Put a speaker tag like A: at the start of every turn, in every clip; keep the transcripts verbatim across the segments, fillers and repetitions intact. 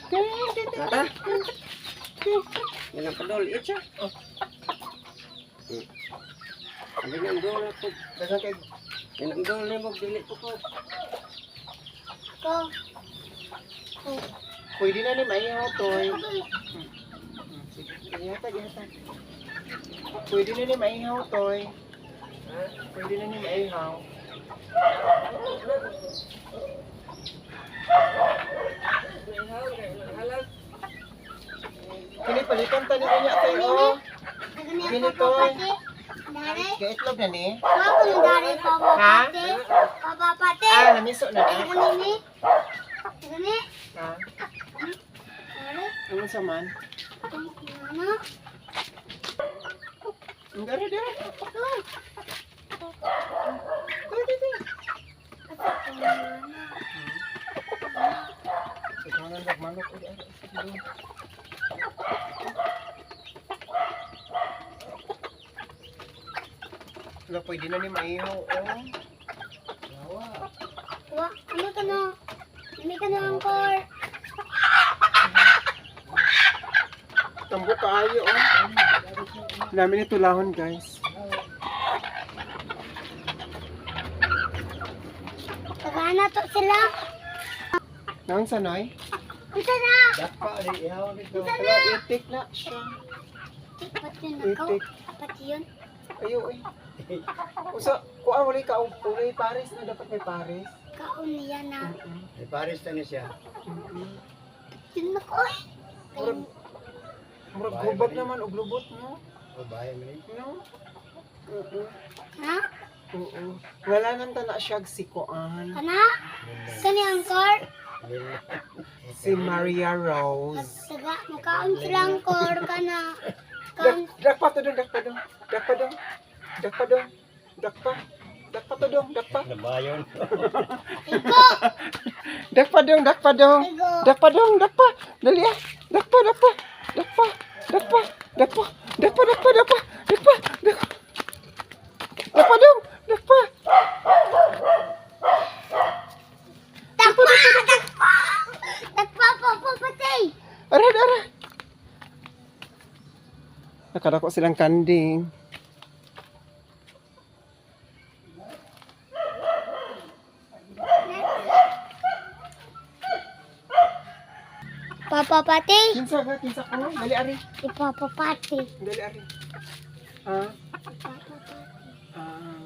A: Tata. Yan ang padol. Itcha. Oh. Hindi nga ang dol ako.
B: Dagan kay
A: Yan ang dol na mo. Dili ko ko.
C: Ko.
B: pwede na ni maihaw toy. Sige, ihata, ihata. Pwede na ni maihaw toy. Pwede na ni maihaw. Kini palitan tani niya kay o. Kini toy.
C: Dari.
B: Kay itlog na ni.
C: Ako ng dari papapate. Papapate.
B: Ah, namiso na
C: Ay,
B: na.
C: ganini. Gani.
B: Ha?
C: Dari.
B: Ano sa man?
C: Ano?
B: Ang gari dira.
C: Uy.
B: Dira dira. Ikaw na nagmanok uli ay sige. Wala pwede na ni maihaw o. Yawa.
C: Wa, ano ka na? Hindi ka na angkor.
B: Tambo kaayo o. Dami ni tulahon guys.
C: Tagana to sila.
B: Nang sanoy?
C: Unsa na?
B: Dakpa ri ihaw dito. Wala itik na siya.
C: Ba't yun ako?
B: Itik.
C: Ba't yun?
B: Ayo ay. Usa kuan wala ka uli pares na dapat may pares.
C: Kaon niya na.
A: May pares na niya siya.
C: Yun ako eh.
B: Murag murag gubat naman og lubot no.
A: O bahay mo rin.
B: No? Oo.
C: Ha?
B: Oo. Wala nang tana siya si kuan.
C: Kana? Kani angkor?
B: Si Maria Rose.
C: Taga, makaon sila angkor kana.
B: Dak
C: Kaon.
B: dakpa to dong, dakpa dong. Dakpa dong. Dakpa dong. Dakpa. Dakpa to dong, dakpa.
A: Nabayon.
C: Iko!
B: Dakpa dong, dakpa dong.
C: Iko!
B: Dakpa dong, dakpa. Dali ah. Dakpa, dakpa. Dakpa. Dakpa. Dakpa. Dakpa, dakpa, dakpa. Dakpa. Dakpa. Dakpa dong. Dakpa.
C: Takpa! Takpa! Takpa po po patay!
B: Aray, aray. Nakadako silang kanding.
C: Papa Pati!
B: Kinsa ka, kinsa ko. Dali ari.
C: Si Papa Pati.
B: Dali ari. Ha?
C: Papa Pati.
B: Ah.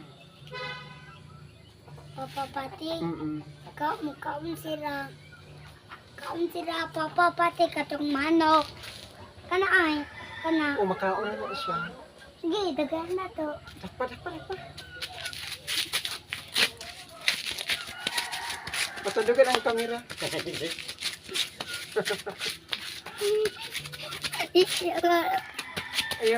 C: Papa Pati.
B: Mm.
C: Ka mukaon sila. Kaon sila Papa Pati katong manok. Kana ay. Kana.
B: O makaon na na siya.
C: Sige, dagan na to.
B: Dakpa, dakpa, dakpa. Patudugan ang kamera. Ayaw.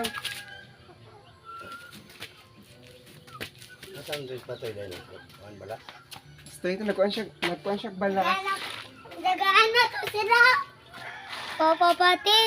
A: Nasaan doon patoy dahil? Kuhan bala?
B: Basta ito, nagkuhan siya, nagkuhan siya bala.
C: Dagaan na to sila. Papa Pati.